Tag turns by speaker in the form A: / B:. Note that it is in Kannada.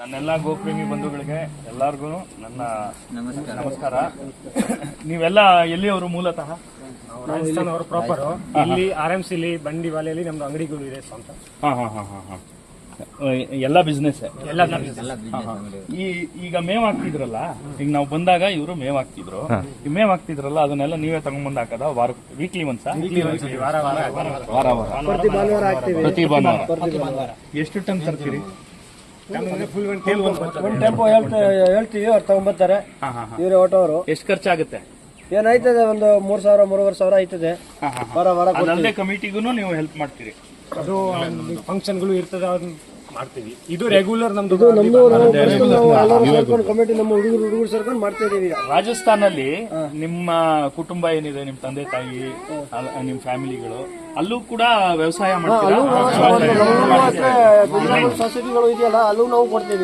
A: ನನ್ನೆಲ್ಲ ಗೋಪ್ರೇಮಿ ಬಂಧುಗಳಿಗೆ ಎಲ್ಲಾರ್ಗು ನನ್ನ ನಮಸ್ಕಾರ. ನೀವೆಲ್ಲ ಎಲ್ಲಿಯವರು ಮೂಲತಃ?
B: ರಾಜಸ್ಥಾನ ಅವರು ಪ್ರಾಪರ್. ಇಲ್ಲಿ RMC ಬಂಡಿವಾಲೆಯಲ್ಲಿ ನಮ್ದು ಅಂಗಡಿಗಳು ಇದೆ ಸ್ವಂತ.
A: ಎಲ್ಲ ಬಿಸ್ನೆಸ್. ಈಗ ಮೇವ್ ಹಾಕ್ತಿದ್ರಲ್ಲ, ಈಗ ನಾವು ಬಂದಾಗ ಇವರು ಮೇವ್ ಹಾಕ್ತಿದ್ರು. ಈ ಮೇವ್ ಹಾಕ್ತಿದ್ರಲ್ಲ ಅದನ್ನೆಲ್ಲ ನೀವೇ ತಗೊಂಡ್ಬಂದ್ ಹಾಕದ? Weekly once?
B: ವಾರ
A: ಪ್ರತಿ ಭಾನುವಾರ. ಎಷ್ಟು ಟನ್ ತರ್ತೀರಿ?
C: ಒಂದು ಟೆಂಪೋ ಹೇಳ್ತೀವಿ, ಅವ್ರು ತಗೊಂಡ್ಬರ್ತಾರೆ. ಇವರೇ ಆಟೋವರು.
A: ಎಷ್ಟು ಖರ್ಚಾಗುತ್ತೆ?
C: ಏನಾಯ್ತದೆ, ಒಂದು 3,000 3,500 ಆಯ್ತದೆ. ವಾರ
A: ಅದಲ್ಲದೆ ಕಮಿಟಿಗೂ ನೀವು ಹೆಲ್ಪ್ ಮಾಡ್ತೀರಿ?
B: ಅದು ಫಂಕ್ಷನ್ಗಳು ಇರ್ತದೆ, ಅದನ್ನ ಮಾಡ್ತೀವಿ. ಇದು ರೆಗ್ಯುಲರ್ ನಮ್ದು
C: ಕಮಿಟಿ, ನಮ್ಮ ಹುಡುಗರು ಸೇರ್ಕೊಂಡು ಮಾಡ್ತಾ ಇದೀವಿ.
A: ರಾಜಸ್ಥಾನಲ್ಲಿ ನಿಮ್ಮ ಕುಟುಂಬ ಏನಿದೆ, ನಿಮ್ ತಂದೆ ತಾಯಿ, ನಿಮ್ ಫ್ಯಾಮಿಲಿಗಳು ಅಲ್ಲೂ ಕೂಡ ವ್ಯವಸಾಯ ಮಾಡ್ತೀರಾ?
C: ಸೊಸೈಟಿಗಳು ಇದೆಯಲ್ಲ, ಅಲ್ಲೂ ನಾವು ಕೊಡ್ತೀವಿ.